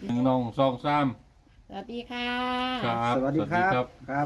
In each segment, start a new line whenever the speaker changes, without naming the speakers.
หนึ่งน้องสองสาม
สวัสดีค่ะ
ครับ
สวัสดีครับครับ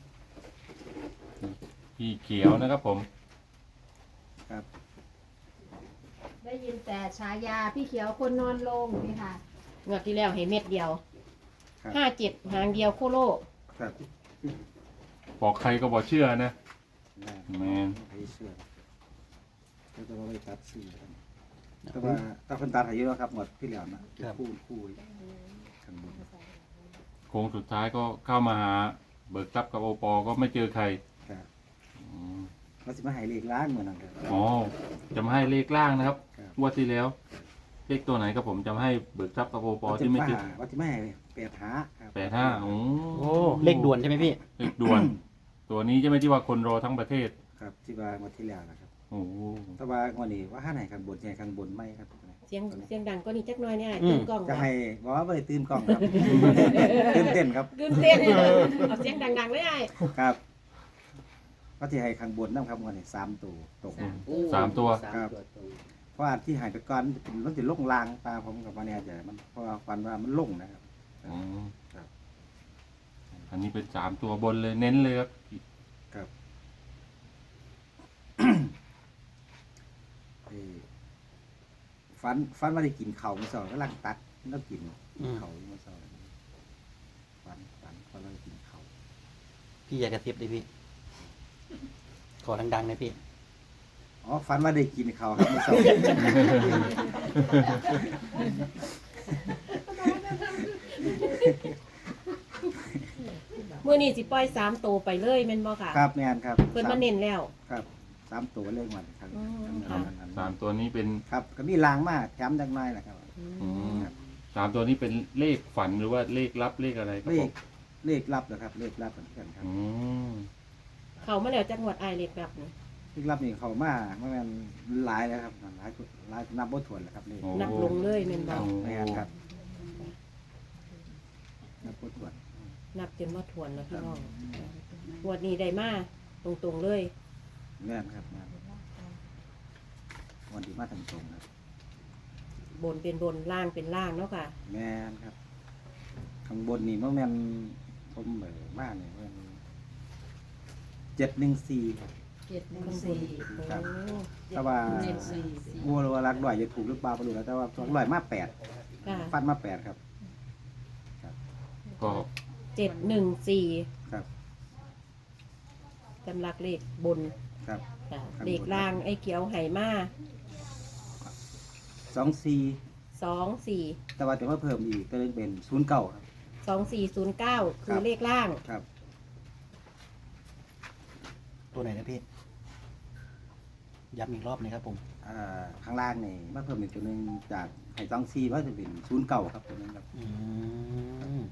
พี่เขียวนะครับผม
ครับ
ได้ยินแต่ฉายาพี่เขียวคนนอนลงนี่ค่ะงวดที่แล้วเห็นเม็ดเดียว
ครับ
57หางเดียวโคโล
ครับ
บอกใครก็บอกเชื่อนะ แมน
ไม่เชื่อแล้วก็ไปตัดสื่อแต่ว่าตัดคนตัดหายเยอะแล้วครับหมดที่แล้วนะคู่ข้างบน
โค้งสุดท้ายก็เข้ามาหาเบิกทรัพย์กับโอปอก็ไม่เจอใคร
ครับ
อืม
เราจะมาใหายเลขล้างเหมือนกันครับ
อ๋อจะมาให้เลขล่างนะครับ
ครับ
งวดที่แล้ว เลขตัวไหนครับผมจะมาให้เบิกทรัพย์กับโอปอที่ไม่เจอ
ว่าจะไม่ให้8 หาครับ
85โอ้
โอ้เลขด่วนใช่ไหมพี่
เลขด่วน ตัวนี้ใช่ไหมที่ว่าคนรอทั้งประเทศ
ครับที่ว่าหมดที่แล้วนะครับ
โอ้โห
แต่ว่าวันนี้ว่าห้าไหนข้างบนใหญ่ข้างบนไม่ครับ
เสียงดังก็นี่จักหน่อยเนี่ย
อืม
ตื่นกล้อง
จะให้บอกว่าไม่ได้ตื่นกล้องครับ ตื่นเต้นครับ
ตื่นเต้นเอาเสียงดังๆเลยไอ้
ครับก็ที่ให้ข้างบนน้ำครับวันนี้3 ตัวตก
สามตัว
ครับ เพราะว่าที่หายไปก่อนมันจะลงลางปลาผมกับวันนี้จะมันเพราะว่าฟันว่ามันลงนะครับ
อืม
ครับ
อันนี้เป็น3 ตัวบนเลยเน้นเลยครับ
ครับ ฟันว่าได้กินเข่าวมันสองก็ลังตัดแล้วกินเข่ามันสองฟันว่าได้กินเข่าว
พี่อยากกระซิบดิพี่ขอดังๆนะพี่
อ๋อฟันว่าได้กินเข่าวครับมันสอง
มื้อนี้สิปล่อย3ตัวไปเลยแม่นบ่ค่ะ
ครับแม่นครับ
เพิ่นมาเน้นแล้ว
ครับ3 ตัวเลขวันครับ
อืมค่ะ
3 ตัวนี้เป็น
ครับก็มีลางมากแถมดังน้อยแหละครับ
อืม 3 ตัวนี้เป็นเลขฝันหรือว่าเลขลับเลขอะไรครับ
เล
ผ
ข
ม
เลขลับนะครับเลขลับเหมือนกันครับ
อืม
เขามาแล้วจังหวัดไอายเล็กแบบนี้
เลขลับนี่เขามาเมื่อมันหลายแล้วครับหลายนับบ่ถ้วนแล้วครับเลข
โอ้
นับลงเลยแม่นบ่
แม่นครับนับบ่ถ้วน
นับจนว่าทวนแล้วพี่น้องงวดนี้ได้มาตรงๆเลย
แม่นครับแม่นวันที่มาทางตรงครับ
บนเป็นบนล่างเป็นล่างเนาะค่ะ
แม่นครับข้างบนนี่เมื่อแม่นผมมากเนี่ยมัน714ครับ ครับ แต่ว่าบัวรักหน่อยจะถูกหรือเปล่าไม่รู้แล้วแต่ว่ารักหน่อยมา8
ค่ะ
ฟันมา8ครับ
ก็
714
ครับ
จำลักเลขบน
ครับ
ค่ะ
ครับ
เลขล่างไอ้เขียวไหมา
24
24
แต่ว่าจะมาเพิ่มอีกก็เลยเป็น09ครับ
2409 คื
ครั
อบ เลขล่าง
ครับ
ตัวไหนนะพี่ย้ำอีกรอบหนะครับผม
ข้างล่างนี่มาเพิ่มอีกตัวหนึงจากไห่ต้องซีว่าจะเป็น09ครับตัวนึงครับ
อืม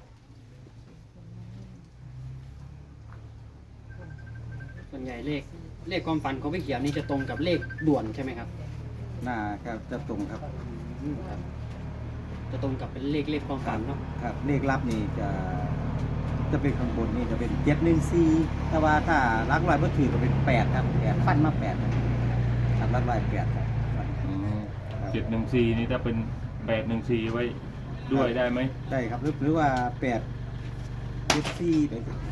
ส่วนใหญ่เลขความฝันของพี่เขียวนี่จะตรงกับเลขด่วนใช่ไหมครับ
น่าครับจะตรงครับ
ครับ จะตรงกับเป็นเลขความฝันเนาะ
ครับเลขลับนี่จะเป็นข้างบนนี่จะเป็น714แต่ว่าถ้ารักลอยบ่ถือก็เป็น8ครับ8ฟันมา8ครับครับรักลอย8ครับฟัน
อืม
ครับ
714นี่ถ้าเป็น814ไว้ด้วยได้ไหม
ได้ครับหรือว่า8 74ได้ครับ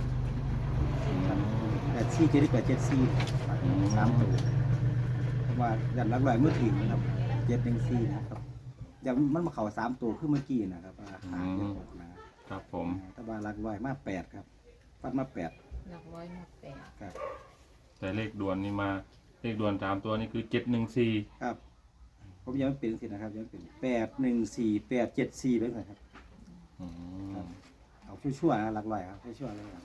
8 4 7 8 7 4 3ตัวเพราะว่ายันรักลอยเมื่อถือนะครับ714นะครับอย่างมันมาเข้า3ตัวคือเมื่อกี้นะครับหางจะออกนะครับ
ผม
ตะบาลักลอยมา8ครับฟัดมา8
หลักร้อยมาแปด
ครับ
แต่เลขด่วนนี่มาเลขด่วน3 ตัวนี่คือ714
ครับผมยังไม่เป็นสินะครับยังเป็น814 874ไปเลยครับ
อืม
เอาชั่วๆนะลักลอยครับชั่วๆเลยครับ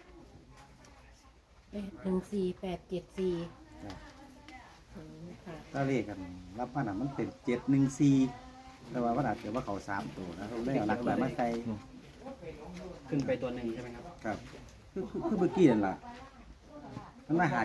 14874
ครับ
ค่ะ
ถ้าเลขกันรับมาหนามันเป็น714แต่ว่ามันอาจจะว่าเขา3ตัวนะครับได้เอาลักลอยมาใส่
ขึ้นไปตัวหนึ่งใช่ไหมครับ
ครับคือเมื่อกี้นั่นล่ะมันมา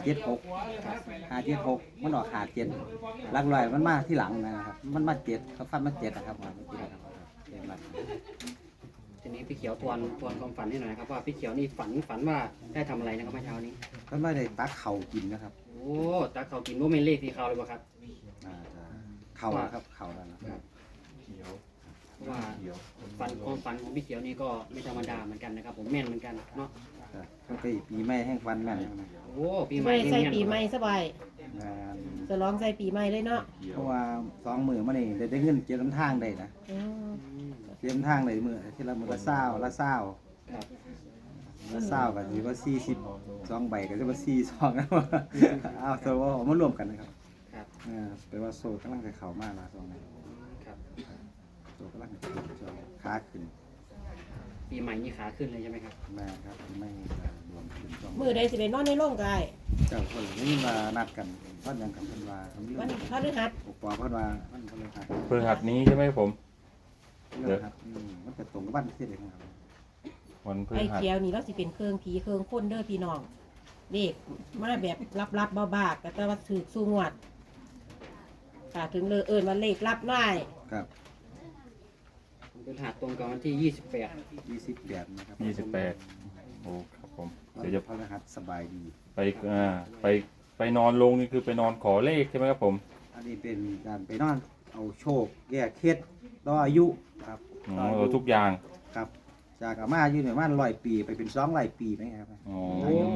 576มันออก57ลักลอยมันมาที่หลังนะครับมันมา7เขาฟันมา7นะครับเมื่อกี้นะครับเห็นไหม
ทีนี้พี่เขียวทวนความฝันให้หน่อยนะครับว่าพี่เขียวนี่ฝันว่าได้ทำอะไรนะครับเมื่อเช้านี้
ก็ไม่ได้ตักเข่ากินนะครับ
โอ้ตาเขากินว่าเป็นเลขที่เขาเลยป่ะครับ
เข่าครับเข่าแล้วนะครับ
เพราะว่าความฝันของพี่เขียวนี่ก็ไม่ธรรมดาเหมือนกันนะครับผมแม่นเหมือนกันเนาะ
ครับก็ปีใหม่แห่งฟันแม่นนะ
โอ้ปีใหม่
ไม่
นี่
ใส่
แม่น
ปีใหม่สบาย
อ่า
จะร้องใส่ปีใหม่เลยเนาะ
เพราะว่า2 มื้อมานี่ได้เงินเก็บน้ำทางได้นะ
อืม
เก็บน้ำทางได้มื้อที่ละมื้อละ20ละ20
ครับ
ละ20ก็สิว่า42ใบก็สิว่า42นะเอาแต่ว่าเอามารวมกันนะครับ
ครับ
แปลว่าโซ่กำลังจะเข้ามาละ2นี้
ครับ
โซ่กำลังจะขึ้นช่วงขาขึ้น
ปีใหม่นี่ขาขึ้นเลยใช่ไหมครับ
แม่ครับไม่รวมขึ้นช่วง
มือใดสิเป็นนอนในโรงกาย
เจ้าคนนี้มานัดกันวันยังกับเพิ่นว่าเรื่
วัน
อง
พฤหัส
ปกปอเพิ่นว่ามันเพิ่นเลยครับ
พฤหัสนี้ใช่ไหมผม
เรื่องครับมันจะตรงกับวันที่เด็กครับ
วันพฤ
ไอ้
หัส
เขียวนี่เราสิเป็นเครื่องผีเครื่องคนเด้อพี่น้องเด็กมาแบบรับๆบ้าๆก็แต่ว่าถือสู้งวดค่ะถึงเลยเอิ้นว่าเลขรับได้
ครับ
ผมเป็นหัดตรงกับวันที่
28นะครับ
โอ้ครับผม
เดี๋
เดี๋
ย
ยว ว
จะ
จะ
พฤหัสสบายดี
ไปไปนอนลงนี่คือไปนอนขอเลขใช่ไหมครับผม
อันนี้เป็นการไปนอนเอาโชคแก้เคล็ดต่ออายุครับ
อ๋อเราทุกอย่าง
ครับจากอาม่าอยู่ในบ้าน100 ปีไปเป็น200 ปีไหมครับ
อ๋อ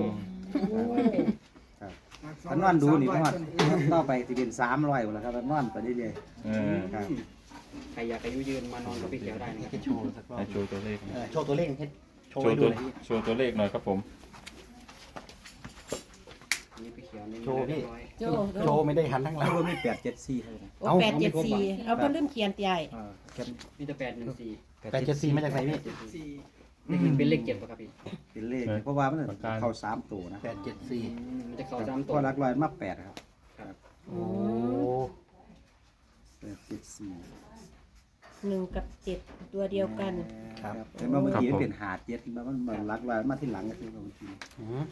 ครับถ้านอนดูนี่นอนต่อไปสิเป็น300แล้วครับนอนไปเรื่อย
เออ
ๆครับ
26 ใครอยากอายุยืนมานอนกับพี่เขียวได้นะครับ
ให้โชว์สักรอบ
ให้โชว์ตัวเลขหน่อย
โชว์ตัวเลขให้โชว์
โช
ให้
ว์
ดู
ตัว
หน่อยพี่
โชว์ตัวเลขหน่อยครับผม
อันนี่พี่เขียวนี่
โชว์พี่
เรียบร้อย
โจ้
โชว์ไม่ได้หันทั้งหลั
แล้
ง
วมี874เท่านั้น
โอ้874เอาก็ลืมเขียนใหญ่
มีแต่814
874มาจากไหนพี่
เลขหนึ่งเป็นเลข7ป่ะครับพี่
เป็นเลขเพราะว่ามันเข้า3ตัวนะ
874
มันจะเข้าซ้ำ
เพ
ตัว
ราะหลักร้อยมา8ครับ
โอ้
874
1 กับ 7 ตัวเดียวกัน
ครับ
แต่ว่าเมื่อกี้มันเป็นหาดเจ็ดมันหลักร้อยมาที่หลังก็คือเมื่อกี้
อืม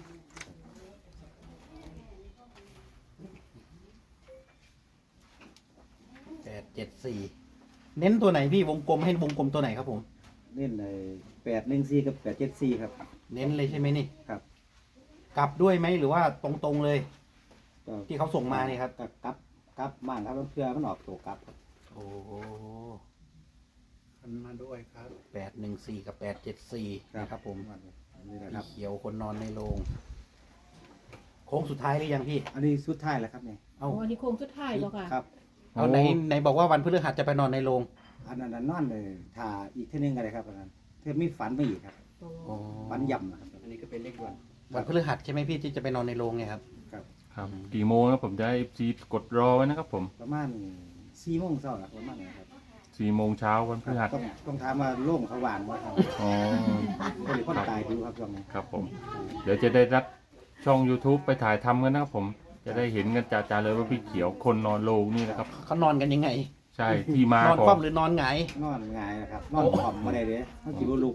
874เน้นตัวไหนพี่วงกลมให้วงกลมตัวไหนครับผม
เล่นใน814กับ874ครับ
เน้นเลยใช่ไหมนี่
ครับ
กลับด้วยไหมหรือว่าตรงๆเลย
ก็
ที่เขาส่งมาเนี่ยครับ
ก็กลับบ้านครับเพื่อมันออกตัวกลับครับ
โอ้โห
มันมาด้วยครับ
814กับ874นะครับผม
นี่แหละค
พี่
รับ
เขียวคนนอนในโรงโค้งสุดท้ายหรือยังพี่
อันนี้สุดท้ายแล้วครับเนี่ย
เอา
โอ้อันนี้โค้งสุดท้ายแล้วค่ะ
ครับ
เอาไหนบอกว่าวันพฤหัสจะไปนอนในโรง
อันนั้นนอนเลยถ่าอีกเท่านึงกันเลยครับอันนั้นเพื่อมีฝันมาอีกครับ
โอ้
ฝันย่ำนะครับ
อันนี้ก็เป็นเลขด่วน
วันพฤหัสใช่ไหมพี่ที่จะไปนอนในโรงเนี่ยครับ
ครับ
ครับกี่โมงนะผมจะให้ซีกดรอไว้นะครับผม
ประมาณ4 โมงเช้าครับประมาณนั้นครับ
4 โมงเช้าวันพฤหัส
ต้องถามว่าโล่งเขาหวานว่าครับ
อ๋อ
ก็เลยคนตายดูครับช่วงนี้
ครับผม เดี๋ยวจะได้รับช่อง YouTube ไปถ่ายทำกันนะครับผม จะได้เห็นกันจ่าๆเลยว่าพี่เขียวคนนอนโลงนี่นะครับ
เขานอนกันยังไง
ใช่ที่มาน
อน
ขอ
คว่ำหรือนอนหงาย
นอนง่ายนะครับนอนผอมมาได้เลยต้องกินลูก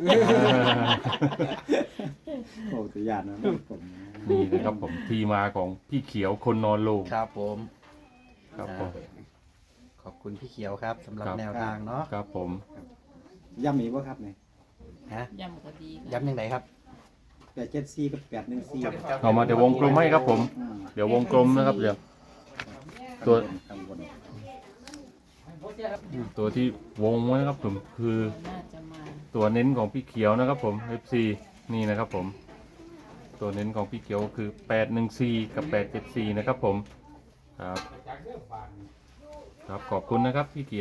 โอ้ตัวอย่างนะนอนผม
นี่นะครับผมที่มาของพี่เขียวคนนอนโลง
ครับผม
ครับผม
ขอบคุณพี่เขียวครับสำหรับ
ครับ
แนวทางเนาะ
ครับผม
ย่ำมีว่าครับเนี่ย
ฮะ
ย่ำก็ดี
ย้ำยังไงครับ
874กับ814
เอามาเดี๋ยววงกลมให้ครับผม เดี๋ยววงกลมนะครับเดี๋ยว ตัว
ข้างบน
ตัวที่วงไว้นะครับผมคือ
น่าจะมา
ตัวเน้นของพี่เขียวนะครับผม FC นี่นะครับผม ตัวเน้นของพี่เขียวคือ814กับ874นะครับผมครับครับขอบคุณนะครับพี่เขียว